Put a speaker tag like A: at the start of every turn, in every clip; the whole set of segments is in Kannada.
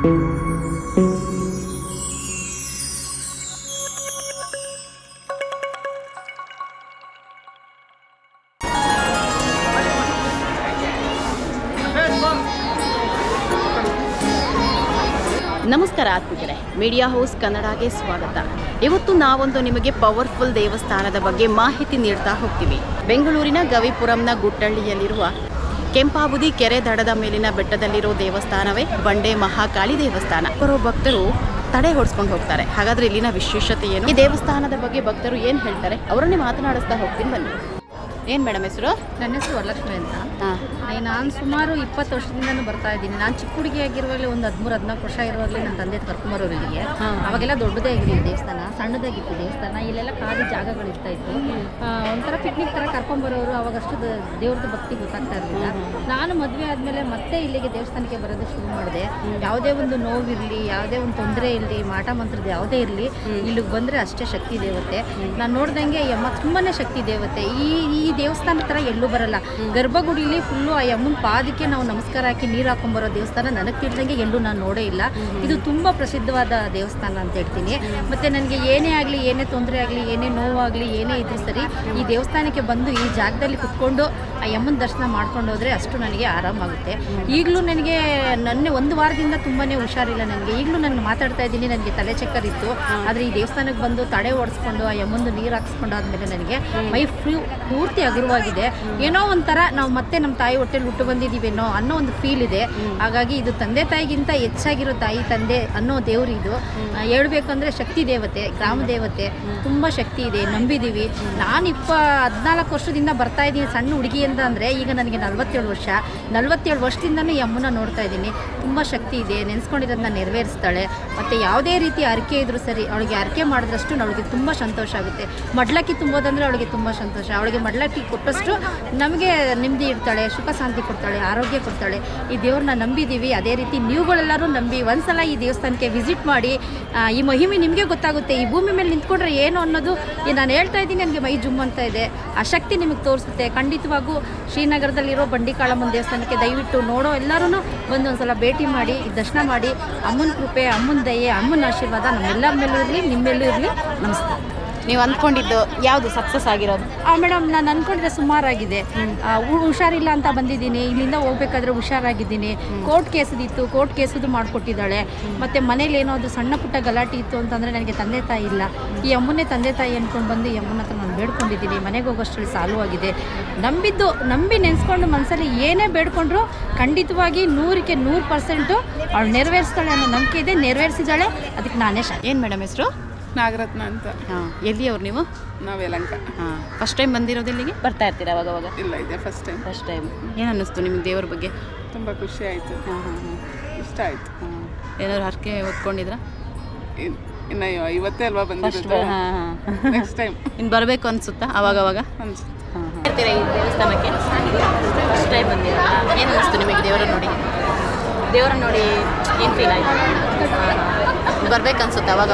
A: ನಮಸ್ಕಾರ ಆತ್ಮೀಯರೇ, ಮೀಡಿಯಾ ಹೌಸ್ ಕನ್ನಡಗೆ ಸ್ವಾಗತ. ಇವತ್ತು ನಾವೊಂದು ನಿಮಗೆ ಪವರ್ಫುಲ್ ದೇವಸ್ಥಾನದ ಬಗ್ಗೆ ಮಾಹಿತಿ ನೀಡ್ತಾ ಹೋಗ್ತೀವಿ. ಬೆಂಗಳೂರಿನ ಗವಿಪುರಂನ ಗುಟ್ಟಳ್ಳಿಯಲ್ಲಿರುವ ಕೆಂಪಾಬುದಿ ಕೆರೆ ದಡದ ಮೇಲಿನ ಬೆಟ್ಟದಲ್ಲಿರೋ ದೇವಸ್ಥಾನವೇ ಬಂಡೆ ಮಹಾಕಾಳಿ ದೇವಸ್ಥಾನ. ಬರೋ ಭಕ್ತರು ತಡೆ ಹೊಡ್ಸ್ಕೊಂಡು ಹೋಗ್ತಾರೆ. ಹಾಗಾದ್ರೆ ಇಲ್ಲಿನ ವಿಶೇಷತೆ ಏನು, ಈ ದೇವಸ್ಥಾನದ ಬಗ್ಗೆ ಭಕ್ತರು ಏನು ಹೇಳ್ತಾರೆ, ಅವರನ್ನೇ ಮಾತನಾಡಿಸ್ತಾ ಹೋಗ್ತೀನಿ ಬನ್ನಿ. ಏನು ಮೇಡಮ್ ಹೆಸರು?
B: ನನ್ನ ಹೆಸರು ವರಲಕ್ಷ್ಮಿ ಅಂತ. ನಾನು ಸುಮಾರು 20 ವರ್ಷದಿಂದನೂ ಬರ್ತಾ ಇದ್ದೀನಿ. ನಾನು ಚಿಕ್ಕ ಹುಡುಗಿಯಾಗಿರುವಾಗಲೇ ಒಂದು 13-14 ವರ್ಷ ಇರುವಾಗಲೇ ನನ್ನ ತಂದೆ ಕರ್ಕೊಂಬರೋರು ಇಲ್ಲಿಗೆ. ಅವಾಗೆಲ್ಲ ದೊಡ್ಡದೇ ಆಗಿರಲಿಲ್ಲ ದೇವಸ್ಥಾನ, ಸಣ್ಣದಾಗಿತ್ತು ದೇವಸ್ಥಾನ. ಇಲ್ಲೆಲ್ಲ ಖಾಲಿ ಜಾಗಗಳಿರ್ತಾ ಇತ್ತು. ಒಂಥರ ಪಿಕ್ನಿಕ್ ಥರ ಕರ್ಕೊಂಬರೋರು. ಅವಾಗಷ್ಟು ದೇವ್ರದ್ದು ಭಕ್ತಿ ಗೊತ್ತಾಗ್ತಾ ಇರಲಿಲ್ಲ. ನಾನು ಮದುವೆ ಆದಮೇಲೆ ಮತ್ತೆ ಇಲ್ಲಿಗೆ ದೇವಸ್ಥಾನಕ್ಕೆ ಬರೋದು ಶುರು ಮಾಡಿದೆ. ಯಾವುದೇ ಒಂದು ನೋವಿರಲಿ, ಯಾವುದೇ ಒಂದು ತೊಂದರೆ ಇರಲಿ, ಮಾಟ ಮಂತ್ರದ ಯಾವುದೇ ಇರಲಿ, ಇಲ್ಲಿಗೆ ಬಂದರೆ ಅಷ್ಟೇ ಶಕ್ತಿ ದೇವತೆ. ನಾನು ನೋಡ್ದಂಗೆ ಅಮ್ಮ ತುಂಬಾ ಶಕ್ತಿ ದೇವತೆ. ಈ ದೇವಸ್ಥಾನ ಥರ ಎಲ್ಲೂ ಬರಲ್ಲ. ಗರ್ಭಗುಡಿಲಿ ಫುಲ್ಲು ಆ ಅಮ್ಮನ ಪಾದಕ್ಕೆ ನಾವು ನಮಸ್ಕಾರ ಹಾಕಿ ನೀರು ಹಾಕೊಂಬರೋ ದೇವಸ್ಥಾನ ನನಗೆ ತಿಳಿದಂಗೆ ಎಲ್ಲೂ ನಾನು ನೋಡೇ ಇಲ್ಲ. ಇದು ತುಂಬ ಪ್ರಸಿದ್ಧವಾದ ದೇವಸ್ಥಾನ ಅಂತ ಹೇಳ್ತೀನಿ. ಮತ್ತು ನನಗೆ ಏನೇ ಆಗಲಿ, ಏನೇ ತೊಂದರೆ ಆಗಲಿ, ಏನೇ ನೋವಾಗಲಿ, ಏನೇ ಇದ್ರೂ ಸರಿ, ಈ ದೇವಸ್ಥಾನಕ್ಕೆ ಬಂದು ಈ ಜಾಗದಲ್ಲಿ ಕುತ್ಕೊಂಡು ಆ ಅಮ್ಮನ ದರ್ಶನ ಮಾಡ್ಕೊಂಡು ಹೋದರೆ ಅಷ್ಟು ನನಗೆ ಆರಾಮಾಗುತ್ತೆ. ಈಗಲೂ ನನಗೆ ಒಂದು ವಾರದಿಂದ ತುಂಬಾ ಹುಷಾರಿಲ್ಲ ನನಗೆ. ಈಗಲೂ ನಾನು ಮಾತಾಡ್ತಾ ಇದ್ದೀನಿ, ನನಗೆ ತಲೆ ಚಕ್ಕರ್ ಇತ್ತು. ಆದರೆ ಈ ದೇವಸ್ಥಾನಕ್ಕೆ ಬಂದು ತಡೆ ಓಡಿಸ್ಕೊಂಡು ಆ ಅಮ್ಮಂದು ನೀರು ಹಾಕ್ಸ್ಕೊಂಡು ಆದಮೇಲೆ ನನಗೆ ಮೈ ಪೂರ್ತಿ ಹಗುರವಾಗಿದೆ. ಏನೋ ಒಂಥರ ನಾವು ಮತ್ತೆ ನಮ್ಮ ತಾಯಿ ಹೊಟ್ಟೆಲಿ ಹುಟ್ಟು ಬಂದಿದ್ದೀವೇನೋ ಅನ್ನೋ ಒಂದು ಫೀಲ್ ಇದೆ. ಹಾಗಾಗಿ ಇದು ತಂದೆ ತಾಯಿಗಿಂತ ಹೆಚ್ಚಾಗಿರೋ ತಾಯಿ ತಂದೆ ಅನ್ನೋ ದೇವರು ಇದು. ಹೇಳ್ಬೇಕಂದ್ರೆ ಶಕ್ತಿ ದೇವತೆ, ಗ್ರಾಮ ದೇವತೆ, ತುಂಬ ಶಕ್ತಿ ಇದೆ, ನಂಬಿದ್ದೀವಿ. ನಾನು 14 ವರ್ಷದಿಂದ ಬರ್ತಾ ಇದ್ದೀನಿ ಸಣ್ಣ ಹುಡುಗಿ ಅಂತ. ಅಂದರೆ ಈಗ ನನಗೆ 47 ವರ್ಷದಿಂದನೂ ಈ ಅಮ್ಮನ ನೋಡ್ತಾ ಇದ್ದೀನಿ. ತುಂಬ ಶಕ್ತಿ ಇದೆ, ನೆನೆಸ್ಕೊಂಡಿರೋದನ್ನ ನೆರವೇರಿಸ್ತಾಳೆ. ಮತ್ತು ಯಾವುದೇ ರೀತಿ ಅರಿಕೆ ಇದ್ರೂ ಸರಿ, ಅವಳಿಗೆ ಅರಿಕೆ ಮಾಡಿದ್ರಷ್ಟು ಅವಳಿಗೆ ತುಂಬ ಸಂತೋಷ ಆಗುತ್ತೆ. ಮಡ್ಲಕ್ಕಿ ತುಂಬೋದಂದರೆ ಅವಳಿಗೆ ತುಂಬ ಸಂತೋಷ. ಅವಳಿಗೆ ಮಡ್ಲಕ್ಕಿ ಕೊಟ್ಟಷ್ಟು ನಮಗೆ ನೆಮ್ಮದಿ ಇರ್ತಾಳೆ, ಸುಖ ಶಾಂತಿ ಕೊಡ್ತಾಳೆ, ಆರೋಗ್ಯ ಕೊಡ್ತಾಳೆ. ಈ ದೇವ್ರನ್ನ ನಂಬಿದ್ದೀವಿ. ಅದೇ ರೀತಿ ನೀವುಗಳೆಲ್ಲರೂ ನಂಬಿ ಒಂದ್ಸಲ ಈ ದೇವಸ್ಥಾನಕ್ಕೆ ವಿಸಿಟ್ ಮಾಡಿ. ಈ ಮಹಿಮೆ ನಿಮಗೆ ಗೊತ್ತಾಗುತ್ತೆ. ಈ ಭೂಮಿ ಮೇಲೆ ನಿಂತ್ಕೊಂಡ್ರೆ ಏನು ಅನ್ನೋದು ನಾನು ಹೇಳ್ತಾ ಇದ್ದೀನಿ, ನನಗೆ ಮೈ ಜುಮ್ ಅಂತ ಇದೆ. ಆ ಶಕ್ತಿ ನಿಮಗೆ ತೋರಿಸುತ್ತೆ. ಖಂಡಿತವಾಗೂ ಶ್ರೀನಗರದಲ್ಲಿರೋ ಬಂಡಿಕಾಳಮ್ಮನ ದೇವಸ್ಥಾನಕ್ಕೆ ದಯವಿಟ್ಟು ನೋಡೋ ಎಲ್ಲರೂ ಬಂದು ಒಂದ್ಸಲ ಭೇಟಿ ಮಾಡಿ, ದರ್ಶನ ಮಾಡಿ. ಅಮ್ಮನ ಕೃಪೆ, ಅಮ್ಮನ ದಯೆ, ಅಮ್ಮನ ಆಶೀರ್ವಾದ ನಮ್ಮೆಲ್ಲರ ಮೇಲೂ ಇರಲಿ, ನಿಮ್ಮೆಲ್ಲೂ ಇರಲಿ. ನಮಸ್ತೆ.
A: ನೀವು ಅಂದ್ಕೊಂಡಿದ್ದು ಯಾವುದು ಸಕ್ಸಸ್ ಆಗಿರೋದು?
B: ಮೇಡಮ್, ನಾನು ಅಂದ್ಕೊಂಡಿದ್ದೆ ಸುಮಾರಾಗಿದೆ. ಹುಷಾರಿಲ್ಲ ಅಂತ ಬಂದಿದ್ದೀನಿ. ಇಲ್ಲಿಂದ ಹೋಗ್ಬೇಕಾದ್ರೆ ಹುಷಾರಾಗಿದ್ದೀನಿ. Court ಕೇಸದಿತ್ತು, court ಕೇಸದು ಮಾಡಿಕೊಟ್ಟಿದ್ದಾಳೆ. ಮತ್ತು ಮನೇಲಿ ಏನೋ ಅದು ಸಣ್ಣ ಪುಟ್ಟ ಗಲಾಟೆ ಇತ್ತು ಅಂತಂದರೆ ನನಗೆ ತಂದೆ ತಾಯಿ ಇಲ್ಲ. ಈ ಅಮ್ಮನೇ ತಂದೆ ತಾಯಿ ಅಂದ್ಕೊಂಡು ಬಂದು ಈ ಅಮ್ಮನ ಹತ್ರ ನಾನು ಬೇಡ್ಕೊಂಡಿದ್ದೀನಿ. ಮನೆಗೆ ಹೋಗೋಷ್ಟರಲ್ಲಿ ಸಾಲುವಾಗಿದೆ. ನಂಬಿ ನೆನೆಸ್ಕೊಂಡು ಮನಸ್ಸಲ್ಲಿ ಏನೇ ಬೇಡ್ಕೊಂಡ್ರು ಖಂಡಿತವಾಗಿ 100% ಅವಳು ನೆರವೇರಿಸ್ತಾಳೆ ಅನ್ನೋ ನಂಬಿಕೆ ಇದೆ. ನೆರವೇರಿಸಿದ್ದಾಳೆ. ಅದಕ್ಕೆ ನಾನೇ
A: ಏನು ಮೇಡಮ್ ಹೆಸರು?
C: ನಾಗರತ್ನ ಅಂತ.
A: ಎಲ್ಲಿ ಅವ್ರು ನೀವು?
C: ನಾವು ಯಲಹಂಕ.
A: ಫಸ್ಟ್ ಟೈಮ್ ಬಂದಿರೋದು ಇಲ್ಲಿಗೆ? ಬರ್ತಾ ಇರ್ತೀರಾ ಅವಾಗ?
C: ಇಲ್ಲ, ಇದೆ ಫಸ್ಟ್ ಟೈಮ್.
A: ಏನು ಅನ್ನಿಸ್ತು ನಿಮಗೆ ದೇವ್ರ ಬಗ್ಗೆ?
C: ತುಂಬ ಖುಷಿ ಆಯಿತು, ಇಷ್ಟ ಆಯಿತು.
A: ಏನಾದ್ರು ಹರಕೆ ಹೊತ್ಕೊಂಡಿದ್ರಾ?
C: ಇನ್ನು ಇವತ್ತೇ ಅಲ್ವಾ ಬಂದಿರೋದು, ನೆಕ್ಸ್ಟ್ ಟೈಮ್
A: ಇನ್ನು ಬರಬೇಕು ಅನಿಸುತ್ತಾ ಅವಾಗ
C: ಅನಿಸುತ್ತೆ.
A: ಈ ದೇವಸ್ಥಾನಕ್ಕೆ ಫಸ್ಟ್ ಟೈಮ್ ಬಂದಿರಾ? ಏನು ಅನ್ನಿಸ್ತು ನಿಮಗೆ ದೇವರನ್ನ ನೋಡಿ ಏನು ಫೀಲ್ ಆಯಿತು? ಬರ್ಬೇಕು ಅನ್ಸುತ್ತೆ ಅವಾಗ?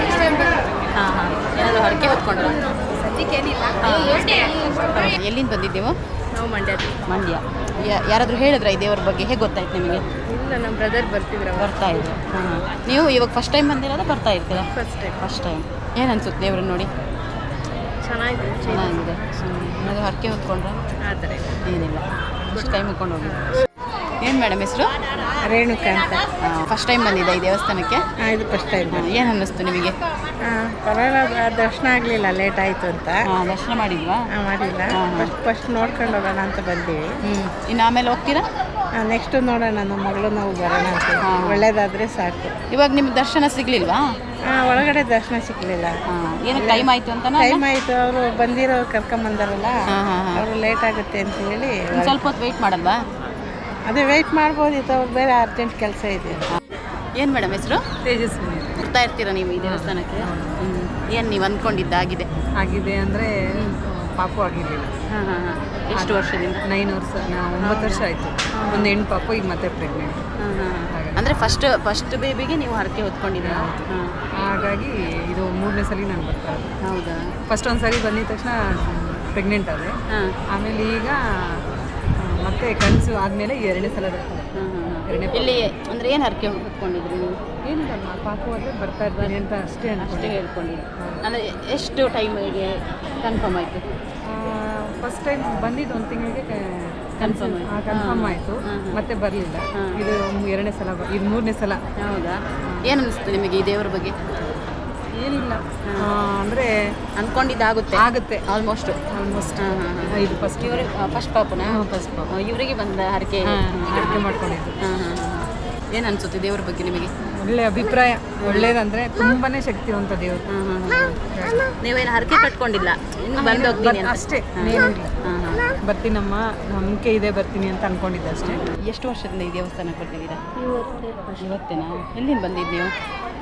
A: ಏನಾದರೂ ಹರಕೆ ಹೊತ್ಕೊಂಡ್ರು? ಎಲ್ಲಿಂದ ಬಂದಿದ್ದೀವೋ?
B: ನಾವು ಮಂಡ್ಯ.
A: ಯಾರಾದರೂ ಹೇಳಿದ್ರಾ ಈ ದೇವ್ರ ಬಗ್ಗೆ? ಹೇಗೆ ಗೊತ್ತಾಯ್ತು ನಿಮಗೆ?
B: ಇಲ್ಲ, ನಮ್ಮ ಬ್ರದರ್
A: ಬರ್ತಾ ಇದ್ರು. ನೀವು ಇವಾಗ ಫಸ್ಟ್ ಟೈಮ್ ಬಂದಿರೋದು? ಬರ್ತಾ ಇರ್ತೀರಾ? First time. ಏನು ಅನ್ಸುತ್ತೆ ದೇವ್ರನ್ನ ನೋಡಿ?
B: ಚೆನ್ನಾಗಿದೆ.
A: ಏನಾದರೂ ಹರಕೆ ಹೊತ್ಕೊಂಡ್ರೆ?
B: ಆ ಥರ
A: ಏನಿಲ್ಲ, ಫಸ್ಟ್ ಟೈಮ್ ಹೊತ್ಕೊಂಡು ಹೋಗಿ. ಏನು ಮೇಡಮ್ ಹೆಸರು?
B: ರೇಣುಕಾ ಅಂತ.
A: ಫಸ್ಟ್ ಟೈಮ್ ಬಂದಿದ್ದೆ ಈ ದೇವಸ್ಥಾನಕ್ಕೆ?
B: ಇದು ಫಸ್ಟ್ ಟೈಮ್.
A: ಏನು ಅನ್ನಿಸ್ತು ನಿಮಗೆ?
B: ಪರವಾಗಿಲ್ಲ, ದರ್ಶನ ಆಗಲಿಲ್ಲ, ಲೇಟ್ ಆಯಿತು ಅಂತ.
A: ದರ್ಶನ ಮಾಡಿಲ್ವಾ?
B: ಮಾಡಿಲ್ಲ. ಫಸ್ಟ್ ನೋಡ್ಕೊಂಡು ಹೋಗೋಣ ಅಂತ ಬಂದೀವಿ.
A: ಇನ್ನು ಆಮೇಲೆ ಹೋಗ್ತೀರಾ?
B: ನೆಕ್ಸ್ಟ್ ನೋಡೋಣ, ನಮ್ಮ ಮಗಳು ನಾವು ಬರೋಣ ಅಂತ. ಒಳ್ಳೇದಾದರೆ ಸಾಕು.
A: ಇವಾಗ ನಿಮ್ಗೆ ದರ್ಶನ ಸಿಗಲಿಲ್ವಾ?
B: ಒಳಗಡೆ ದರ್ಶನ ಸಿಗಲಿಲ್ಲ.
A: ಏನಕ್ಕೆ ಟೈಮ್ ಆಯಿತು ಅಂತ?
B: ಟೈಮ್ ಆಯಿತು, ಅವರು ಬಂದಿರೋ ಕರ್ಕೊಂಬಂದಾರಲ್ಲ, ಅವರು ಲೇಟ್ ಆಗುತ್ತೆ ಅಂತ ಹೇಳಿ.
A: ಸ್ವಲ್ಪ ಹೊತ್ತು ವೆಯ್ಟ್ ಮಾಡಲ್ವಾ?
B: ಅದೇ ವೆಯ್ಟ್ ಮಾಡ್ಬೋದಿತ್ತು, ಅವ್ರು ಬೇರೆ ಅರ್ಜೆಂಟ್ ಕೆಲಸ ಇದೆ.
A: ಏನು ಮೇಡಮ್ ಹೆಸರು?
B: ತೇಜಸ್ವಿನಿ.
A: ಬರ್ತಾ ಇರ್ತೀರಾ ನೀವು ಈ ದೇವಸ್ಥಾನಕ್ಕೆ? ಏನು ನೀವು ಅಂದ್ಕೊಂಡಿದ್ದಾಗಿದೆ?
B: ಆಗಿದೆ ಅಂದರೆ ಪಾಪು ಆಗಿರಲಿಲ್ಲ.
A: ಎಷ್ಟು ವರ್ಷದಿಂದ?
B: 9 ವರ್ಷ. 9 ವರ್ಷ ಆಯಿತು. ಒಂದು ಹೆಣ್ಣು ಪಾಪು, ಈಗ ಮತ್ತೆ ಪ್ರೆಗ್ನೆಂಟ್.
A: ಅಂದರೆ ಫಸ್ಟ್ ಬೇಬಿಗೆ ನೀವು ಹರಕೆ ಹೊತ್ಕೊಂಡಿದ್ದೀರಾ?
B: ಹಾಗಾಗಿ ಇದು 3ನೇ ಸಲ ನಾನು ಬರ್ತಾ ಇರೋದು.
A: ಹೌದಾ?
B: ಫಸ್ಟ್ ಒಂದು ಸರಿ ಬಂದಿದ ತಕ್ಷಣ ಪ್ರೆಗ್ನೆಂಟ್ ಆದೆ. ಆಮೇಲೆ ಈಗ ಮತ್ತೆ
D: ಮತ್ತೆ ಕನಸು ಆದಮೇಲೆ 2ನೇ ಸಲ ಬರ್ತದೆ.
A: ಇಲ್ಲಿ ಅಂದರೆ ಏನು ಹರಕೆ ಹೊತ್ಕೊಂಡಿದ್ರಿ ನೀವು?
D: ಏನಿಲ್ಲ ಪಾಪು ಆದರೆ ಬರ್ತಾ ಇರ್ತೀನಿ ಅಂತ ಅಷ್ಟೇ
A: ಹೇಳ್ಕೊಂಡಿದ್ರಿ. ಅಂದರೆ ಎಷ್ಟು ಟೈಮಿಗೆ ಕನ್ಫರ್ಮ್ ಆಯಿತು?
D: ಫಸ್ಟ್ ಟೈಮ್ ಬಂದಿದ್ದು 1 ತಿಂಗಳಿಗೆ ಕನ್ಫರ್ಮ್ ಆಯಿತು. ಮತ್ತೆ ಬರಲಿಲ್ಲ. ಇದು 2ನೇ ಸಲ, ಇದು 3ನೇ ಸಲ.
A: ಹೌದಾ? ಏನು ಅನಿಸ್ತು ನಿಮಗೆ ಈ ದೇವರ ಬಗ್ಗೆ?
D: ಏನಿಲ್ಲ ಅಂದರೆ
A: ಅಂದ್ಕೊಂಡಿದ್ದಾಗುತ್ತೆ
D: ಆಗುತ್ತೆ
A: ಆಲ್ಮೋಸ್ಟ್.
D: ಇದು ಫಸ್ಟ್
A: ಇವರು ಫಸ್ಟ್ ಪಾಪುನ ಇವರಿಗೆ ಬಂದ ಹರಕೆ
D: ಮಾಡ್ಕೊಂಡಿದ್ದು.
A: ಏನು ಅನಿಸುತ್ತೆ ದೇವರ ಬಗ್ಗೆ ನಿಮಗೆ?
D: ಒಳ್ಳೆ ಅಭಿಪ್ರಾಯ. ಒಳ್ಳೇದಂದರೆ ತುಂಬಾ ಶಕ್ತಿವಂತ ದೇವರು.
A: ನೀವೇನು ಹರಕೆ ಕಟ್ಕೊಂಡಿಲ್ಲ, ಇನ್ನು ಬಂದು ಹೋಗ್ತೀನಿ ಅಂತ?
D: ಅಷ್ಟೇ, ಬರ್ತೀನಮ್ಮ, ನಂಬಿಕೆ ಇದೆ ಬರ್ತೀನಿ ಅಂತ ಅನ್ಕೊಂಡಿದ್ದೆ ಅಷ್ಟೇ.
A: ಎಷ್ಟು ವರ್ಷದಿಂದ ಈ ದೇವಸ್ಥಾನಕ್ಕೆ ಬರ್ತಿದ್ದೀರಾ? ಇವತ್ತೇನಾ? ಎಲ್ಲಿಂದ ಬಂದಿದ್ದು ನೀವು?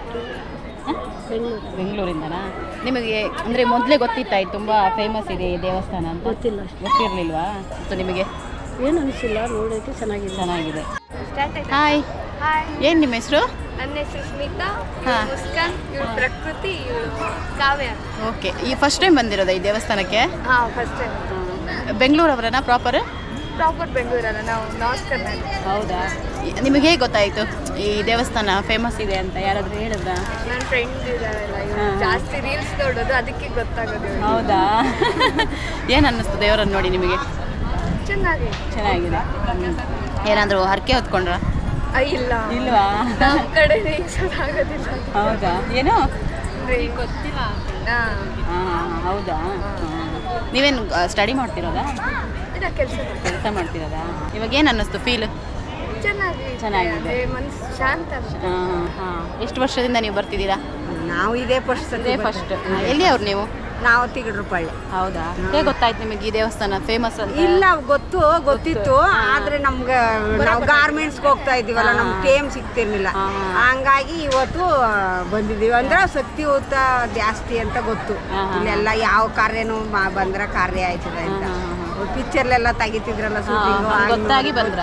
A: ಬೆಂಗಳೂರಿಂದನಾ? ನಿಮಗೆ ಅಂದರೆ ಮೊದಲೇ ಗೊತ್ತಿತ್ತಾಯ್ತು ತುಂಬ ಫೇಮಸ್ ಇದೆ ಈ ದೇವಸ್ಥಾನ ಅಂತ? ಗೊತ್ತಿರಲಿಲ್ವಾ? ಮತ್ತು ನಿಮಗೆ
B: ಏನು ಅನಿಸಿಲ್ಲ, ನೋಡೋಕ್ಕೆ ಚೆನ್ನಾಗಿದೆ.
A: ಹಾಯ್, ಏನು ನಿಮ್ಮ ಹೆಸರು?
E: ನನ್ನ ಹೆಸರು ಸ್ಮಿತಾ,
A: ಹಾಂ.
E: ಮುಸ್ಕಾನ್, ಇವಳು ಪ್ರಕೃತಿ, ಇವಳು ಕಾವ್ಯ.
A: ಓಕೆ, ಈ ಫಸ್ಟ್ ಟೈಮ್ ಬಂದಿರೋದಾ ಈ ದೇವಸ್ಥಾನಕ್ಕೆ?
E: ಹಾಂ, ಫಸ್ಟ್ ಟೈಮ್.
A: ಬೆಂಗಳೂರವರನ್ನ ಪ್ರಾಪರ್
E: ಬೆಂಗಳೂರಲ್ಲ, ನಾವು ನಾರ್ತ್ ಕರ್ನಾಟಕ.
A: ಹೌದಾ? ನಿಮಗೆ ಹೇಗೆ ಗೊತ್ತಾಯಿತು ಈ ದೇವಸ್ಥಾನ ಫೇಮಸ್ ಇದೆ ಅಂತ? ಯಾರಾದರೂ ಹೇಳಿದ್ರಾ?
E: ನನ್ನ ಫ್ರೆಂಡ್ ಇದ್ದಾರಲ್ಲ, ಇವ್ರು ಜಾಸ್ತಿ ರೀಲ್ಸ್ ನೋಡೋದು, ಅದಕ್ಕೆ ಗೊತ್ತಾಗೋದು.
A: ಹೌದಾ? ಏನು ಅನ್ನಿಸ್ತು ದೇವರನ್ನು ನೋಡಿ ನಿಮಗೆ? ಚೆನ್ನಾಗಿದೆ. ಏನಾದರೂ ಹರಕೆ ಹೊತ್ಕೊಂಡ್ರ?
E: ಇಲ್ಲ,
A: ಇಲ್ವಾ?
E: ನಮ್ಮ ಕಡೆ ರೀಲ್ಸ್ ಆಗೋದಿಲ್ಲ.
A: ಹೌದಾ? ಏನು
E: ಗೊತ್ತಿಲ್ಲ.
A: ಹಾಂ, ಹೌದಾ? ನೀವೇನು ಸ್ಟಡಿ ಮಾಡ್ತಿರೋದಾ?
E: ಕೆಲಸ
A: ಮಾಡ್ತಿರೋದಾ? ಇವಾಗ ಏನು ಅನ್ನಿಸ್ತು ಫೀಲ್? ಚೆನ್ನಾಗಿದೆ.
E: ಮನಸ್ಸು ಶಾಂತ.
A: ಹಾಂ. ಎಷ್ಟು ವರ್ಷದಿಂದ ನೀವು ಬರ್ತಿದ್ದೀರಾ?
D: ನಾವು ಇದೇ ಫಸ್ಟ್.
A: ಎಲ್ಲಿ ಅವ್ರು ನೀವು?
D: ನಾವು ತಿಗಡ್ರಪಳ್ಳಿ.
A: ಹೌದಾ? ಹೇಗೆ ಗೊತ್ತಾಯ್ತು ನಿಮಗೆ ಈ ದೇವಸ್ಥಾನ ಫೇಮಸ್ ಅಂತ?
D: ಇಲ್ಲ, ಗೊತ್ತಿತ್ತು. ಆದ್ರೆ ನಮ್ಗೆ ನಾವು ಗಾರ್ಮೆಂಟ್ಸ್ಗೆ ಹೋಗ್ತಾ ಇದೀವಲ್ಲ, ನಮ್ಗೆ ಟೈಮ್ ಸಿಗ್ತಿರ್ಲಿಲ್ಲ. ಹಂಗಾಗಿ ಇವತ್ತು ಬಂದಿದ್ದೀವಿ. ಅಂದ್ರೆ ಶಕ್ತಿಯುತ ಜಾಸ್ತಿ ಅಂತ ಗೊತ್ತು. ಇಲ್ಲೆಲ್ಲ ಯಾವ ಕಾರ್ಯನೂ ಬಂದ್ರೆ ಕಾರ್ಯ ಆಯ್ತದೆ ಅಂತ. ಪಿಕ್ಚರ್ಲೆಲ್ಲ ತೆಗಿತಿದ್ರಲ್ಲ,
A: ಗೊತ್ತಾಗಿ ಬಂದ್ರ?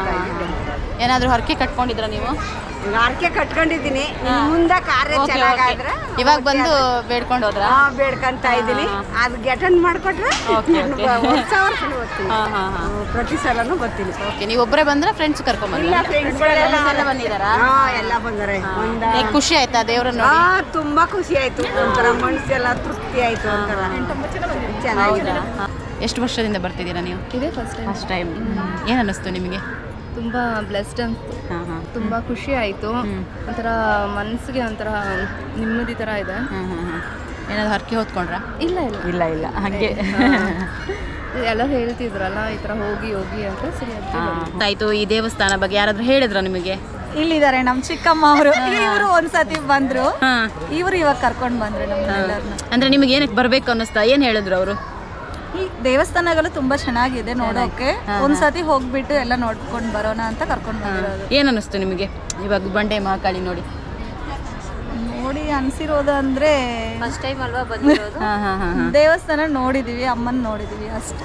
A: ಏನಾದರೂ ಹರಕೆ ಕಟ್ಕೊಂಡಿದ್ರ ನೀವು?
D: ಹರಕೆ ಕಟ್ಕೊಂಡಿದ್ದೀನಿ. ಮುಂದೆ ಕಾರ್ಯ ಚೆನ್ನಾಗಾದ್ರೆ
A: ಇವಾಗ ಬಂದು ಬೇಡ್ಕೊಂಡು ಹೋದ್ರ?
D: ಬೇಡ್ಕೊಂತ ಇದ್ದೀನಿ. ಅದು ಅಟೆಂಡ್ ಮಾಡ್ಕೊಟ್ರೆ ವರ್ಷ ಬರ್ತೀನಿ. ಪ್ರತಿ ಸಲನೂ ಬರ್ತೀನಿ.
A: ಓಕೆ, ನೀವು ಒಬ್ಬರೇ ಬಂದ್ರೆ ಫ್ರೆಂಡ್ಸ್ ಕರ್ಕೊಂಡ್ಬಂದಿಲ್ಲ? ಬಂದಿದ್ದಾರಾ?
D: ಎಲ್ಲ ಬಂದರೆ.
A: ಖುಷಿ ಆಯ್ತಾ ದೇವ್ರನ್ನ ನೋಡಿ?
D: ತುಂಬಾ ಖುಷಿ ಆಯ್ತು. ಒಂಥರ ಮನಸ್ಸೆಲ್ಲ ತೃಪ್ತಿ ಆಯ್ತು. ಒಂಥರ ಚೆನ್ನಾಗಿದೆ.
A: ಎಷ್ಟು ವರ್ಷದಿಂದ ಬರ್ತಿದ್ದೀರಾ ನೀವು?
E: ಇದೇ ಫಸ್ಟ್
A: ಟೈಮ್. ಏನು ಅನ್ನಿಸ್ತು ನಿಮಗೆ?
E: ತುಂಬ ಬ್ಲೆಸ್ಡ್ ಅನಿಸ್ತು. ತುಂಬ ಖುಷಿ ಆಯಿತು. ಒಂಥರ ಮನಸ್ಸಿಗೆ ಒಂಥರ ನೆಮ್ಮದಿ ಥರ ಇದೆ.
A: ಏನಾದ್ರು ಹರಕೆ ಹೊತ್ಕೊಂಡ್ರಾ?
E: ಇಲ್ಲ
A: ಹಾಗೆ
E: ಎಲ್ಲ ಹೇಳ್ತಿದ್ರಲ್ಲ ಈ ಥರ ಹೋಗಿ ಅಂತ. ಸರಿ
A: ಆಯಿತು. ಈ ದೇವಸ್ಥಾನ ಬಗ್ಗೆ ಯಾರಾದರೂ ಹೇಳಿದ್ರ ನಿಮಗೆ?
F: ಇಲ್ಲಿದ್ದಾರೆ ನಮ್ಮ ಚಿಕ್ಕಮ್ಮ ಅವರು. ಇವರು ಒಂದ್ಸತಿ ಬಂದ್ರು, ಇವರು ಇವಾಗ ಕರ್ಕೊಂಡು ಬಂದ್ರು ನಮ್ಮನ್ನೆಲ್ಲರನ್ನ.
A: ಅಂದರೆ ನಿಮಗೆ ಏನಕ್ಕೆ ಬರಬೇಕು ಅನ್ನಿಸ್ತಾ? ಏನು ಹೇಳಿದ್ರು ಅವರು?
F: ಈ ದೇವಸ್ಥಾನಗಳು ತುಂಬಾ ಚೆನ್ನಾಗಿದೆ ನೋಡೋಕೆ. ಒಂದ್ಸತಿ ಹೋಗ್ಬಿಟ್ಟು ಎಲ್ಲ ನೋಡ್ಕೊಂಡು ಬರೋಣ ಅಂತ ಕರ್ಕೊಂಡು ಬಂದಿರೋದು.
A: ಏನು ಅನ್ನಿಸ್ತು ನಿಮಗೆ ಇವಾಗ ಬಂಡೆ ಮಹಾಕಾಳಿ ನೋಡಿ
F: ಅನ್ಸಿರೋದು ಅಂದ್ರೆ
E: ಫಸ್ಟ್ ಟೈಮ್ ಅಲ್ವಾ ಬಂದಿರೋದು?
F: ದೇವಸ್ಥಾನ ನೋಡಿದೀವಿ, ಅಮ್ಮನ್ ನೋಡಿದೀವಿ ಅಷ್ಟೇ.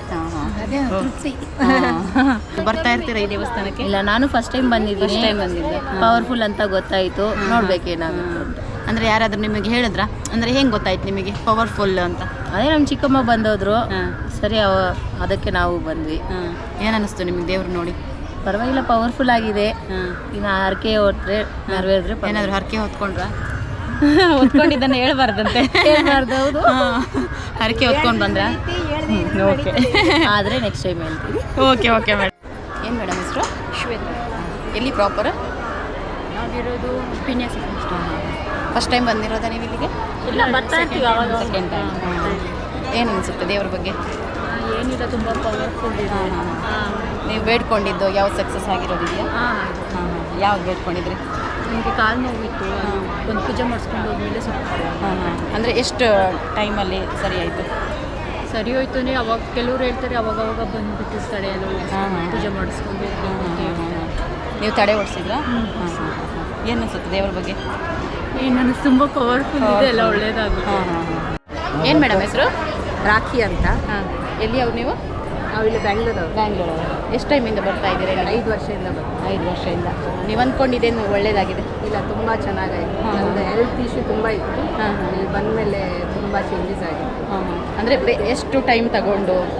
A: ಬರ್ತಾ ಇರ್ತೀರಾ ಈ ದೇವಸ್ಥಾನಕ್ಕೆ?
B: ಇಲ್ಲ, ನಾನು ಫಸ್ಟ್ ಟೈಮ್ ಬಂದಿದ್ದೀನಿ. ಪವರ್ಫುಲ್ ಅಂತ ಗೊತ್ತಾಯಿತು, ನೋಡ್ಬೇಕೇನಾಗುತ್ತೆ ಅಂತ.
A: ಅಂದರೆ ಯಾರಾದರೂ ನಿಮಗೆ ಹೇಳಿದ್ರಾ? ಅಂದರೆ ಹೆಂಗೆ ಗೊತ್ತಾಯ್ತು ನಿಮಗೆ ಪವರ್ಫುಲ್ ಅಂತ?
B: ಅದೇ ನಮ್ಮ ಚಿಕ್ಕಮ್ಮ ಬಂದೋದ್ರು. ಸರಿ, ಅದಕ್ಕೆ ನಾವು ಬಂದ್ವಿ.
A: ಏನು ಅನ್ನಿಸ್ತು ನಿಮಗೆ ದೇವ್ರು ನೋಡಿ?
B: ಪರವಾಗಿಲ್ಲ, ಪವರ್ಫುಲ್ ಆಗಿದೆ. ಇನ್ನು ಹರಕೆ ಹೊತ್ರೆ ನೆರವೇರಿದ್ರೆ.
A: ಏನಾದರೂ ಹರಕೆ ಹೊತ್ಕೊಂಡ್ರಾ? ಹೊತ್ಕೊಂಡಿದ್ದನ್ನು ಹೇಳ್ಬಾರ್ದಂತೆ.
B: ಹೌದು,
A: ಹರಕೆ ಹೊತ್ಕೊಂಡು ಬಂದ್ರಾ?
B: ಓಕೆ, ಆದರೆ ನೆಕ್ಸ್ಟ್ ಟೈಮ್ ಹೇಳ್ತೀವಿ.
A: Okay madam. ಏನು ಮೇಡಮ್ ಹೆಸರು?
E: ಶ್ವೇತಾ.
A: ಎಲ್ಲಿ ಪ್ರಾಪರ್?
E: ನಾವಿರೋದು ಪಿನ್ಯಾಸ.
A: ಫಸ್ಟ್ ಟೈಮ್ ಬಂದಿರೋದಾ ನೀವು ಇಲ್ಲಿಗೆ?
B: ಇಲ್ಲ, ಬರ್ತಾ ಇರ್ತೀವಿ ಅವಾಗ.
A: Second time. ಏನು ಅನಿಸುತ್ತೆ ದೇವ್ರ ಬಗ್ಗೆ?
E: ಏನಿಲ್ಲ, ತುಂಬ ಪವರ್ಫುಲ್ ಇದೆ.
A: ನೀವು ಬೇಡ್ಕೊಂಡಿದ್ದು ಯಾವ್ದು ಸಕ್ಸಸ್ ಆಗಿರೋದಿದೆಯಾ? ಯಾವ್ದು ಬೇಡ್ಕೊಂಡಿದ್ರಿ?
E: ನನಗೆ ಕಾಲು ನೋವಿತ್ತು, ಒಂದು ಪೂಜೆ ಮಾಡಿಸ್ಕೊಂಡು ಹೋದ್ಮೇಲೆ ಸ್ವಲ್ಪ
A: ಅಂದರೆ ಎಷ್ಟು ಟೈಮಲ್ಲಿ ಸರಿ ಆಯಿತು?
E: ಸರಿ ಹೋಯ್ತು ಅಂದರೆ ಅವಾಗ ಕೆಲವ್ರು ಹೇಳ್ತಾರೆ ಅವಾಗ ಬಂದುಬಿಟ್ಟಿರ್ತಾಳೆ ಎಲ್ಲ ಪೂಜೆ ಮಾಡಿಸ್ಕೊಂಡು.
A: ನೀವು ತಡೆ ಓಡಿಸಿದ್ರಾ? ಏನು ಅನಿಸುತ್ತೆ ದೇವ್ರ ಬಗ್ಗೆ?
E: ನನಗೆ ತುಂಬ ಪವರ್ಫುಲ್ ಇದೆ, ಎಲ್ಲ ಒಳ್ಳೇದಾಗುತ್ತೆ.
A: ಏನು ಮೇಡಮ್ ಹೆಸರು?
D: ರಾಖಿ ಅಂತ.
A: ಎಲ್ಲಿ ಅವ್ರು ನೀವು?
D: ನಾವು ಇಲ್ಲಿ ಬ್ಯಾಂಗ್ಳೂರು.
A: ಎಷ್ಟು ಟೈಮಿಂದ ಬರ್ತಾ ಇದ್ದೀರಾ?
D: 5 ವರ್ಷದಿಂದ ಬರ್ತೀವಿ.
A: 5 ವರ್ಷದಿಂದ. ನೀವು ಅಂದ್ಕೊಂಡಿದ್ದೇನು ಒಳ್ಳೇದಾಗಿದೆ?
D: ಇಲ್ಲ, ತುಂಬ ಚೆನ್ನಾಗಾಯಿತು. ನಮ್ಮದು ಹೆಲ್ತ್ ಇಶ್ಯೂ ತುಂಬ ಇತ್ತು. ಇಲ್ಲಿ ಬಂದಮೇಲೆ ತುಂಬ ಚೇಂಜಸ್ ಆಗಿದೆ.
A: ಅಂದರೆ ಎಷ್ಟು ಟೈಮ್ ತಗೊಂಡು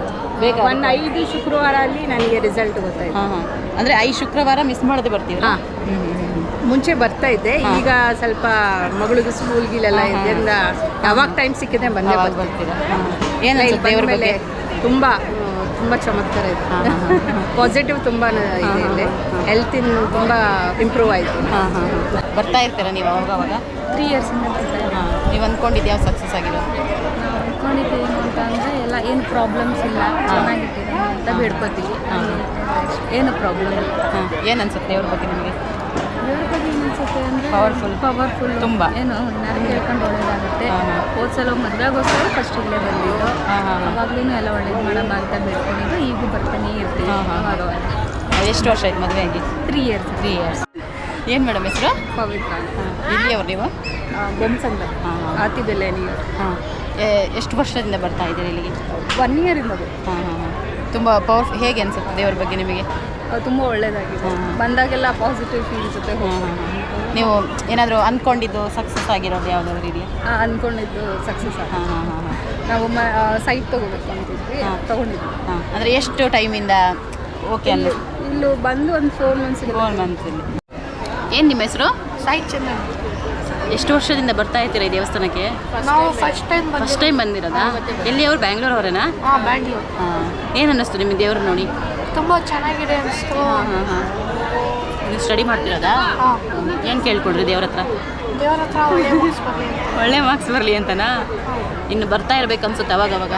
D: ಒಂದು 5 ಶುಕ್ರವಾರ ಅಲ್ಲಿ ನನಗೆ ರಿಸಲ್ಟ್ ಗೊತ್ತಾಯ್ತು.
A: ಹಾಂ ಹಾಂ ಅಂದರೆ 5 ಶುಕ್ರವಾರ ಮಿಸ್ ಮಾಡದೆ ಬರ್ತೀವಿ.
D: ಹಾಂ ಮುಂಚೆ ಬರ್ತಾ ಇದ್ದೆ, ಈಗ ಸ್ವಲ್ಪ ಮಗಳಿಗೆ ಸ್ಕೂಲ್ಗಿಲೆಲ್ಲ ಇದರಿಂದ ಯಾವಾಗ ಟೈಮ್ ಸಿಕ್ಕಿದೆ ಬಂದೇ
A: ಬರ್ತೀರಾ?
D: ಏನು
A: ಏನು ದೇವ್ರ
D: ಮೇಲೆ
A: ಬಗ್ಗೆ
D: ತುಂಬ ತುಂಬ ಚಮತ್ಕಾರ ಇದೆ. ಪಾಸಿಟಿವ್ ತುಂಬ ಇದೆ ಇಲ್ಲಿ. ಹೆಲ್ತಿನ ತುಂಬ ಇಂಪ್ರೂವ್ ಆಯಿತು.
A: ಹಾಂ ಹಾಂ ಬರ್ತಾ ಇರ್ತೀರಾ ನೀವು ಅವಾಗ
B: 3 ಇಯರ್ಸಿಂದ
A: ಹಾಂ ನೀವು ಅಂದ್ಕೊಂಡಿದ್ದು ಯಾವ ಸಕ್ಸಸ್ ಆಗಿರೋ?
B: ಅಂದ್ಕೊಂಡಿದ್ದೇನು ಅಂತ ಅಂದರೆ ಎಲ್ಲ ಏನು ಪ್ರಾಬ್ಲಮ್ಸ್ ಇಲ್ಲ, ಚೆನ್ನಾಗಿಟ್ಟಿರೋ ಅಂತ ಬೇಡ್ಕೋತೀವಿ. ಏನು ಪ್ರಾಬ್ಲಮ್ ಇಲ್ಲ.
A: ಹಾಂ ಏನು ಅನ್ಸುತ್ತೆ ದೇವ್ರ ಬಗ್ಗೆ ನಿಮಗೆ?
B: ದೇವ್ರ ಬಗ್ಗೆ ಏನು ಅನ್ಸುತ್ತೆ ಅಂದರೆ ಪವರ್ಫುಲ್
A: ತುಂಬ.
B: ಏನು ನಾನು ಕೇಳ್ಕೊಂಡು ಒಳ್ಳೇದಾಗುತ್ತೆ. ಹೋದ ಸಲ ಮದುವೆಗೋಸ್ಕರ ಫಸ್ಟ್ ಇಲ್ಲೇ ಬಂದಿದ್ದು, ಅವಾಗಲೂ ಎಲ್ಲ ಒಳ್ಳೇದು ಮಾಡಮ್ಮ ಅಂತ ಬೇಡ್ಕೊಂಡಿದ್ದು, ಈಗೂ ಬರ್ತಾನೆ ಇರ್ತೀವಿ.
A: ಎಷ್ಟು ವರ್ಷ ಆಯ್ತು ಮದುವೆ ಆಗಿ?
B: 3 ಇಯರ್ಸ್.
A: 3 ಇಯರ್ಸ್. ಏನು ಮೇಡಮ್ ಹೆಸರು?
B: ಪವಿತ್ರ.
A: ಇಲ್ಲಿಯವ್ರು ನೀವು?
B: ಬೊಮ್ಮಸಂದ ಆತಿಬೆಲೆ ನೀವು.
A: ಹಾಂ ಎಷ್ಟು ವರ್ಷದಿಂದ ಬರ್ತಾ ಇದ್ದೀರಿ ಇಲ್ಲಿಗೆ?
B: 1 ಇಯರಿಂದ.
A: ಹಾಂ ಹಾಂ ಹಾಂ ತುಂಬ ಪವರ್ಫುಲ್. ಹೇಗೆ ಅನಿಸುತ್ತೆ ದೇವ್ರ ಬಗ್ಗೆ ನಿಮಗೆ?
B: ತುಂಬ ಒಳ್ಳೇದಾಗಿದೆ. ಬಂದಾಗೆಲ್ಲ ಪಾಸಿಟಿವ್ ಫೀಲ್ ಜೊತೆ
A: ನೀವು ಏನಾದರೂ ಅಂದ್ಕೊಂಡಿದ್ದು ಸಕ್ಸಸ್ ಆಗಿರೋದು ಯಾವುದಾದ್ರು ಇದೆಯಾ?
B: ಅಂದ್ಕೊಂಡಿದ್ದು ಸಕ್ಸಸ್ ಆಗಿ
A: ಹಾಂ ಹಾಂ ಹಾಂ
B: ನಾವು ಸೈಟ್ ತೊಗೋಬೇಕು ಅಂತಿದ್ವಿ, ತೊಗೊಂಡಿದ್ವಿ.
A: ಹಾಂ ಅಂದರೆ ಎಷ್ಟು ಟೈಮಿಂದ ಓಕೆ ಅನ್ನಿಸ್ತು?
B: ಇಲ್ಲೂ ಬಂದು ಒಂದು 4 ಮಂತ್ಸ್.
A: 4 ಮಂತ್ಸಲ್ಲಿ. ಏನು ನಿಮ್ಮ ಹೆಸರು?
B: ಸೈಟ್ ಚೆನ್ನಾಗಿ.
A: ಎಷ್ಟು ವರ್ಷದಿಂದ ಬರ್ತಾ ಇರ್ತೀರಾ ಈ ದೇವಸ್ಥಾನಕ್ಕೆ?
B: ನಾವು ಫಸ್ಟ್ ಟೈಮ್
A: ಬಂದಿರೋದಾ? ಎಲ್ಲಿ ಅವ್ರು ಬ್ಯಾಂಗ್ಳೂರ್ ಅವರೇನಾ?
B: ಬ್ಯಾಂಗ್ಳೂರ್.
A: ಹಾಂ ಏನು ಅನ್ನಿಸ್ತು ನಿಮಗೆ ದೇವ್ರು ನೋಡಿ?
B: ತುಂಬ ಚೆನ್ನಾಗಿದೆ ಅನಿಸ್ತು.
A: ಹಾಂ ಹಾಂ ಹಾಂ ನೀವು ಸ್ಟಡಿ ಮಾಡ್ತಿರೋದಾ? ಏನು ಕೇಳ್ಕೊಡ್ರಿ ದೇವ್ರ ಹತ್ರ?
B: ದೇವರ ಹತ್ರ
A: ಒಳ್ಳೆ ಮಾರ್ಕ್ಸ್ ಬರಲಿ ಅಂತನಾ? ಇನ್ನು ಬರ್ತಾ ಇರ್ಬೇಕು ಅನ್ಸುತ್ತೆ ಅವಾಗವಾಗ.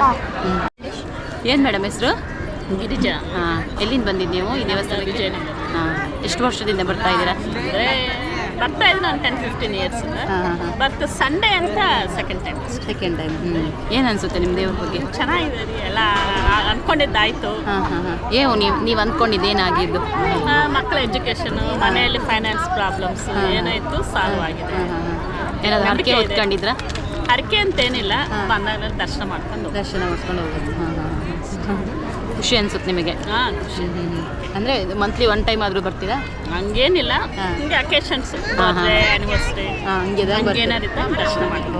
A: ಏನು ಮೇಡಮ್ ಹೆಸರು? ಗಿರಿಜಾ. ಹಾಂ ಎಲ್ಲಿಂದ ಬಂದಿದ್ದು ನೀವು ಈ ದೇವಸ್ಥಾನಕ್ಕೆ? ಹಾಂ ಎಷ್ಟು ವರ್ಷದಿಂದ ಬರ್ತಾ ಇದ್ದೀರಾ?
G: ಬರ್ತಾ ಇದ್ದು ನಾನು 10-15 ಇಯರ್ಸ್.
A: ಹಾಂ ಹಾಂ ಹಾಂ
G: ಬಟ್ ಸಂಡೇ ಅಂತ ಸೆಕೆಂಡ್ ಟೈಮ್.
A: ಏನು ಅನಿಸುತ್ತೆ ನಿಮ್ಮ ದೇವ್ರ ಬಗ್ಗೆ?
G: ಚೆನ್ನಾಗಿದೆ ರೀ, ಎಲ್ಲ ಅಂದ್ಕೊಂಡಿದ್ದಾಯಿತು.
A: ಹಾಂ ಹಾಂ ಹಾಂ ನೀವು ಅಂದ್ಕೊಂಡಿದ್ದು ಏನಾಗಿದ್ದು?
G: ಮಕ್ಕಳ ಎಜುಕೇಷನು, ಮನೆಯಲ್ಲಿ ಫೈನಾನ್ಸ್ ಪ್ರಾಬ್ಲಮ್ಸ್ ಏನಾಯಿತು ಸಾಲ್ವ್ ಆಗಿದೆ.
A: ಏನಾದರೂ ಹರಕೆ ಹೊತ್ಕೊಂಡಿದ್ರಾ?
G: ಹರಕೆ ಅಂತೇನಿಲ್ಲ, ಬಂದಾಗ ದರ್ಶನ ಮಾಡ್ಕೊಂಡು
A: ಹೋಗೋದು. ಹಾಂ ಹಾಂ ಖುಷಿ ಅನ್ಸುತ್ತೆ ನಿಮಗೆ?
G: ಹಾಂ ಖುಷಿ.
A: ಅಂದರೆ ಮಂತ್ಲಿ 1 ಟೈಮ್ ಆದರೂ ಬರ್ತೀರಾ?
G: ಹಂಗೇನಿಲ್ಲ, ಹಿಂಗೆ ಅಕೇಶನ್ಸ್, ಬರ್ತ್ಡೇ, ಆ್ಯನಿವರ್ಸರಿ ಹಂಗೇನಾರಿತ್ತು ದರ್ಶನ ಮಾಡ್ಕೊಂಡು.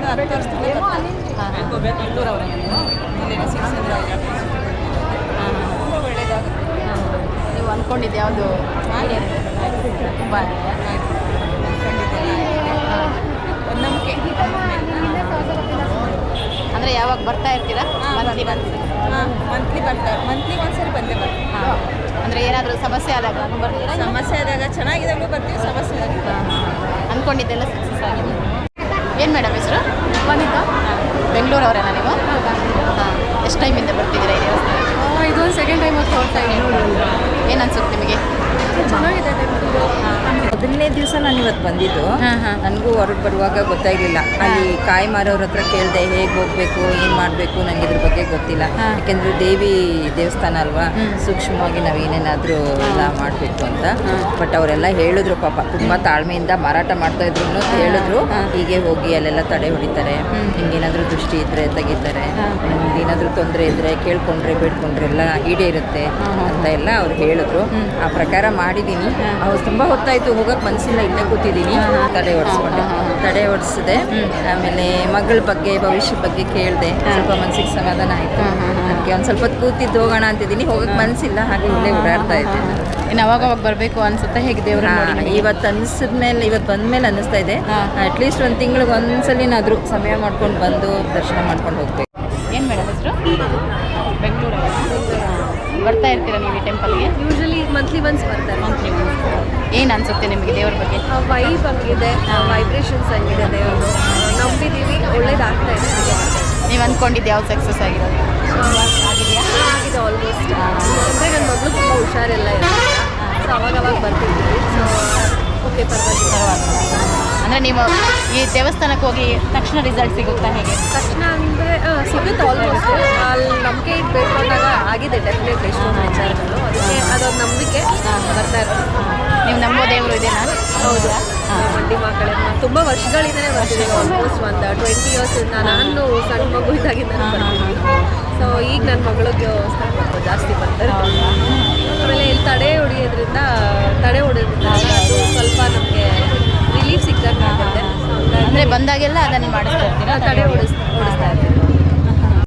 A: ನೀವು ಅಂದ್ಕೊಂಡಿದ್ದು ಯಾವುದು? ತುಂಬ ನಂಬಿಕೆ. ಅಂದರೆ ಯಾವಾಗ ಬರ್ತಾ ಇರ್ತೀರಾ? ಮಂತ್ಲಿ ಒಂದ್ಸರಿ ಬಂದೇ ಬರ್ತೀವಿ. ಹಾಂ ಅಂದರೆ ಏನಾದರೂ ಸಮಸ್ಯೆ ಆದಾಗ ಬರ್ತೀರಾ?
D: ಸಮಸ್ಯೆ ಆದಾಗ ಚೆನ್ನಾಗಿದ್ದಾಗಲೂ ಬರ್ತೀವಿ, ಸಮಸ್ಯೆ ಆದಾಗ
A: ಅಂದ್ಕೊಂಡಿದ್ದೆಲ್ಲ ಸಕ್ಸಸ್ ಆಗಿದೆ. ಏನು ಮೇಡಮ್ ಹೆಸರು?
B: ವನಿತಾ.
A: ಬೆಂಗಳೂರವರೇನಾ ನೀವು? ಹಾಂ ಎಷ್ಟು ಟೈಮಿಂದ ಬರ್ತಿದ್ದೀರಾ ಈ ದೇವಸ್ಥಾನಕ್ಕೆ?
B: ಇದೊಂದು ಸೆಕೆಂಡ್ ಟೈಮ್ ಹೋಗ್ತಾ ಇದ್ದೀನಿ.
A: ಏನು ಅನ್ಸುತ್ತೆ ನಿಮಗೆ?
B: ಚೆನ್ನಾಗಿದೆ.
H: ಮೊದಲನೇ ದಿವಸ ನಾನು ಇವತ್ತು ಬಂದಿದ್ದು. ನನಗೂ ಹೊರಗೆ ಬರುವಾಗ ಗೊತ್ತಾಗಲಿಲ್ಲ. ಅಲ್ಲಿ ಕಾಯಿ ಮಾರೋರ ಹತ್ರ ಕೇಳಿದೆ ಹೇಗೆ ಹೋಗಬೇಕು, ಏನು ಮಾಡಬೇಕು, ನನಗೆ ಇದ್ರ ಬಗ್ಗೆ ಗೊತ್ತಿಲ್ಲ. ಯಾಕೆಂದರೆ ದೇವಿ ದೇವಸ್ಥಾನ ಅಲ್ವಾ, ಸೂಕ್ಷ್ಮವಾಗಿ ನಾವು ಏನೇನಾದರೂ ಎಲ್ಲ ಮಾಡಬೇಕು ಅಂತ. ಬಟ್ ಅವರೆಲ್ಲ ಹೇಳಿದ್ರು, ಪಾಪ ತುಂಬ ತಾಳ್ಮೆಯಿಂದ ಮಾರಾಟ ಮಾಡ್ತಾ ಇದ್ರು ಹೇಳಿದ್ರು, ಹೀಗೆ ಹೋಗಿ ಅಲ್ಲೆಲ್ಲ ತಡೆ ಹೊಡಿತಾರೆ, ಹಿಂಗೇನಾದರೂ ದೃಷ್ಟಿ ಇದ್ದರೆ ತೆಗಿತಾರೆ, ಏನಾದರೂ ತೊಂದರೆ ಇದ್ದರೆ ಕೇಳ್ಕೊಂಡ್ರೆ ಬೇಡ್ಕೊಂಡ್ರೆ ಎಲ್ಲ ಈಡೇರುತ್ತೆ ಅಂತ ಎಲ್ಲ ಅವ್ರು ಹೇಳಿದ್ರು. ಆ ಪ್ರಕಾರ ಮಾಡಿದ್ದೀನಿ. ಅವ್ರು ತುಂಬ ಹೊತ್ತಾಯಿತು, ಹೋಗಕ್ಕೆ ಮನಸ್ಸಿಲ್ಲ, ಇಲ್ಲೇ ಕೂತಿದ್ದೀನಿ. ತಡೆ ಹೊಡಿಸಿದೆ. ಆಮೇಲೆ ಮಗಳ ಬಗ್ಗೆ, ಭವಿಷ್ಯದ ಬಗ್ಗೆ ಕೇಳಿದೆ. ಸ್ವಲ್ಪ ಮನಸ್ಸಿಗೆ ಸಮಾಧಾನ ಆಯಿತು. ಅದಕ್ಕೆ ಒಂದು ಸ್ವಲ್ಪ ಹೊತ್ತು ಕೂತಿದ್ದು ಹೋಗೋಣ ಅಂತಿದ್ದೀನಿ. ಹೋಗಕ್ಕೆ ಮನಸ್ಸಿಲ್ಲ, ಹಾಗೆ ಇಲ್ಲೇ ಓಡಾಡ್ತಾ ಇದ್ದೆ.
A: ಇನ್ನು ಅವಾಗ ಬರಬೇಕು ಅನ್ಸುತ್ತೆ ಹೇಗೆ ದೇವ್ರ?
H: ಇವತ್ತು ಅನ್ನಿಸಿದ್ಮೇಲೆ, ಇವತ್ತು ಬಂದಮೇಲೆ ಅನ್ನಿಸ್ತಾ ಇದೆ ಅಟ್ಲೀಸ್ಟ್ 1 ತಿಂಗಳಿಗೆ ಒಂದ್ಸಲಿನಾದರೂ ಸಮಯ ಮಾಡ್ಕೊಂಡು ಬಂದು ದರ್ಶನ ಮಾಡ್ಕೊಂಡು ಹೋಗ್ಬೇಕು.
A: ಏನು ಮೇಡಮ್ ಹೆಸರು? ಬೆಂಗಳೂರು. ಬರ್ತಾ ಇರ್ತೀರಾ ನೀವು ಈ ಟೆಂಪಲ್ಗೆ?
B: ಯೂಶಲಿ ಮಂತ್ಲಿ ಒನ್ಸ್ ಬರ್ತಾರೆ.
A: ಮಂತ್ಲಿ ಏನು ಅನಿಸುತ್ತೆ ನಿಮಗೆ ದೇವ್ರ ಬಗ್ಗೆ?
B: ವೈಬ್ ಹಂಗಿದೆ, ವೈಬ್ರೇಷನ್ಸ್ ಹಂಗಿದೆ ದೇವರು. ನಂಬಿದ್ದೀವಿ, ಒಳ್ಳೇದಾಗ್ತಾ ಇದೆ.
A: ನೀವು ಅಂದ್ಕೊಂಡಿದ್ದು ಯಾವ್ದು ಸಕ್ಸಸ್ ಆಗಿರೋದು? ಆಗಿದೆಯಾ?
B: ಆಗಿದೆ ಆಲ್ಮೋಸ್ಟ್. ಅಂದರೆ ನನ್ನ ಮಗಳು ತುಂಬ ಹುಷಾರೆಲ್ಲ ಇರಲಿಲ್ಲ, ಸೊ ಅವಾಗ ಬರ್ತಿದ್ದೀವಿ. ಸೊ ಓಕೆ, ಪರವಾಗಿಲ್ಲ.
A: ಅಂದರೆ ನೀವು ಈ ದೇವಸ್ಥಾನಕ್ಕೆ ಹೋಗಿ ತಕ್ಷಣ ರಿಸಲ್ಟ್ ಸಿಗುತ್ತಾ ಹೇಗೆ?
B: ತಕ್ಷಣ ಅಂದರೆ ಸಿಗುತ್ತೆ ಆಲ್ಮೋಸ್ಟ್. ಅಲ್ಲಿ ನಂಬಿಕೆ ಇಟ್ಟು ಬೇಡ್ಕೊಂಡಾಗ ಆಗಿದೆ ಡೆಫಿನೆಟ್ಲಿ ಎಷ್ಟೊಂದು ವಿಚಾರಗಳು. ಅದಕ್ಕೆ ಅದೊಂದು ನಂಬಿಕೆ ಬರ್ತಾ ಇರ್ತೀವಿ.
A: ನೀವು ನಂಬೋ ದೇವರು ಇದೆನಾ?
B: ಹೌದು. ಮಂಡಿ ಮಕ್ಕಳೇ ತುಂಬ ವರ್ಷಗಳಿಂದಲೇ ಬರ್ತಿದ್ದೀವಿ. ಆಲ್ಮೋಸ್ಟ್ ಒಂದು 20 ಇಯರ್ಸಿಂದ. ನಾನು ಸಣ್ಣ ಮಗು ಇದ್ದಾಗಿಂದ ಬರ್ತೀನಿ. ಸೊ ಈಗ ನನ್ನ ಮಗಳಿಗೆ ಜಾಸ್ತಿ ಬರ್ತಾರೆ. ಆಮೇಲೆ ಇಲ್ಲಿ ತಡೆ ಹೊಡೆಯೋದ್ರಿಂದ ಅದು ಸ್ವಲ್ಪ ನಮಗೆ ರಿಲೀಫ್ ಸಿಕ್ಕಾಗುತ್ತೆ.
A: ಅಂದರೆ ಬಂದಾಗೆಲ್ಲ ಅದನ್ನು ಮಾಡಿಸ್ತಾ ಇರ್ತೀರಾ?
B: ತಡೆ ಓಡಿಸ್ತಾ ಇರ್ತೀನಿ.